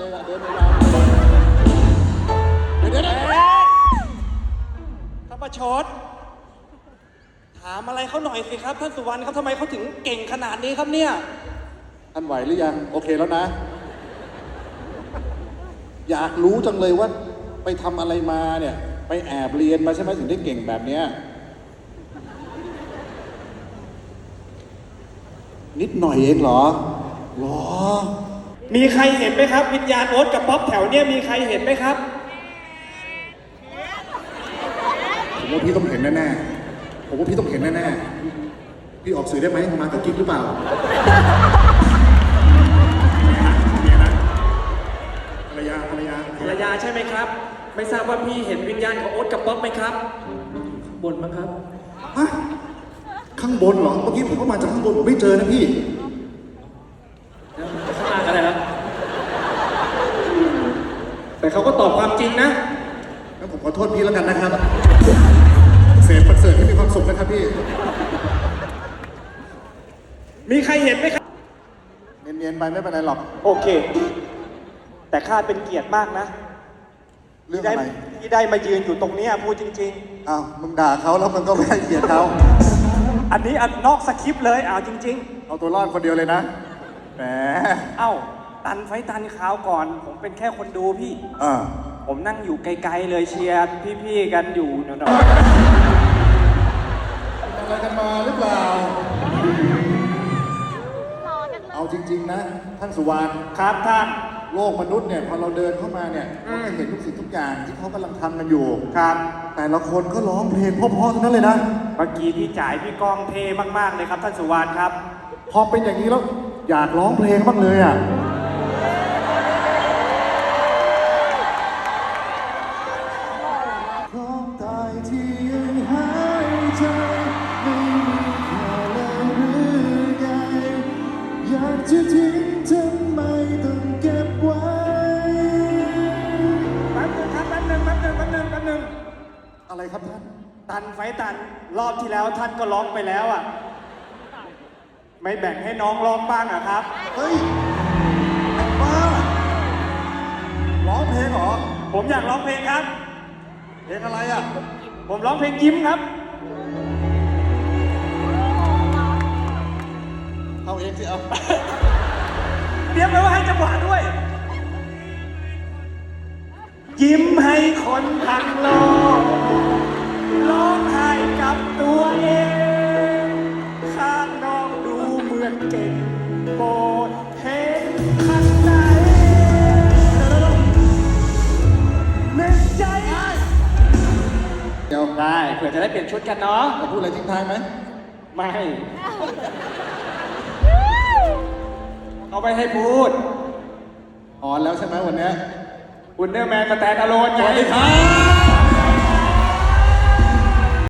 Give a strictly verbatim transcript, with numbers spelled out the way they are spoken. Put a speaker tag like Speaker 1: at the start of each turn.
Speaker 1: เลยเดินยาวเดี๋ยวเดี๋ยวข้าประชดถามอะไรเขาหน่อยสิครับท่านสุวรรณครับทำไมเขาถึงเก่งขนาดนี้ครับเนี่ยท่านไหวหรือยังโอเคแล้วนะ อยากรู้จังเลยว่าไปทำอะไรมาเนี่ยไปแอบเรียนมาใช่ไหมถึงได้เก่งแบบเนี้ยนิดหน่อยเองเหรอหรอมีใครเห็นไหมครับวิญญาณโอ๊ตกับป๊อปแถวเนี้ยมีใครเห็นไหมครับผมว่าพี่ต้องเห็นแน่ๆผมว่าพี่ต้องเห็นแน่ๆพี่ออกสื่อได้ไหมมากับกิ๊กหรือเปล่าภรรยาภรรยาภรรยาใช่ไหมครับไม่ทราบว่าพี่เห็นวิญญาณของโอ๊ตกับป๊อปไหมครับข้างบนมั้งครับฮะข้างบนเหรอเมื่อกี้ผมก็มาจากข้างบนผมไม่เจอนะพี่ข้างล่างอะไรครับแต่เขาก็ตอบความจริงนะงั้นผมขอโทษพี่แล้วกันนะครับเสพประเสริฐให้มีความสุขนะครับพี่มีใครเห็นไหมครับเนียนๆไปไม่เป็นไรหรอกโอเคแต่ข้าเป็นเกียรติมากนะเรื่องอะไรที่ได้มายืนอยู่ตรงนี้พูดจริงๆอ้าวมึงด่าเขาแล้วมึงก็ไม่ให้เกียรติเขาอันนี้อันนอกสคริปต์เลยอ้าวจริงๆเอาตัวรอดคนเดียวเลยนะแหมเอ้าตันไฟตันขาวก่อนผมเป็นแค่คนดูพี่อ่าผมนั่งอยู่ไกลๆเลยเชียร์พี่ๆกันอยู่เนาะอะไรกันมาหรือเปล่าเอาจริงๆนะท่านสุวรรณครับท่านโลกมนุษย์เนี่ยพอเราเดินเข้ามาเนี่ยเราจะเห็นทุกสิ่งทุกอย่างที่เขากำลังทำกันอยู่ครับแต่ละคนก็ร้องเพลงเพราะๆทั้งนั้นเลยนะเมื่อกี้พี่จ่ายพี่ก้องเท่มากๆเลยครับท่านสุวรรณครับพอเป็นอย่างนี้แล้วอยากร้องเพลงบ้างเลยอ่ะพร้อมตายที่ยังหายใจไม่มีค่าเลยหรือไงอยากจะทิ้งทำไมต้องเก็บไว้แป๊บนึงครับแป๊บนึงแป๊บนึงแป๊บนึงแป๊บนึงอะไรครับท่านตันไฟตันรอบที่แล้วท่านก็ร้องไปแล้วอ่ะไม่แบ่งให้น้องร้องบ้างอ่ะครับเฮ้ยไอ้บ้าร้องเพลงเหรอผมอยากร้องเพลงครับเพลงอะไรอ่ะผมร้องเพลงยิ้มครับเอาเองสิเอาเตรียมไว้ว่าให้จังหวะด้วยยิ้มให้คนทั้งโลกร้องไห้กับตัวเองข้างนอกดูเหมือนเก่งโปรดเห็นข้างในเม็ดใจเดี๋ยวได้เผื่อจะได้เปลี่ยนชุดกันเนาะจะพูดอะไรทิ้งท้ายไหมไม่เอาไปให้พูดอ่อนแล้วใช่ไหมวันนี้อุนเดอร์แมนสแตนด์อะโลนไงสวัสดีครับ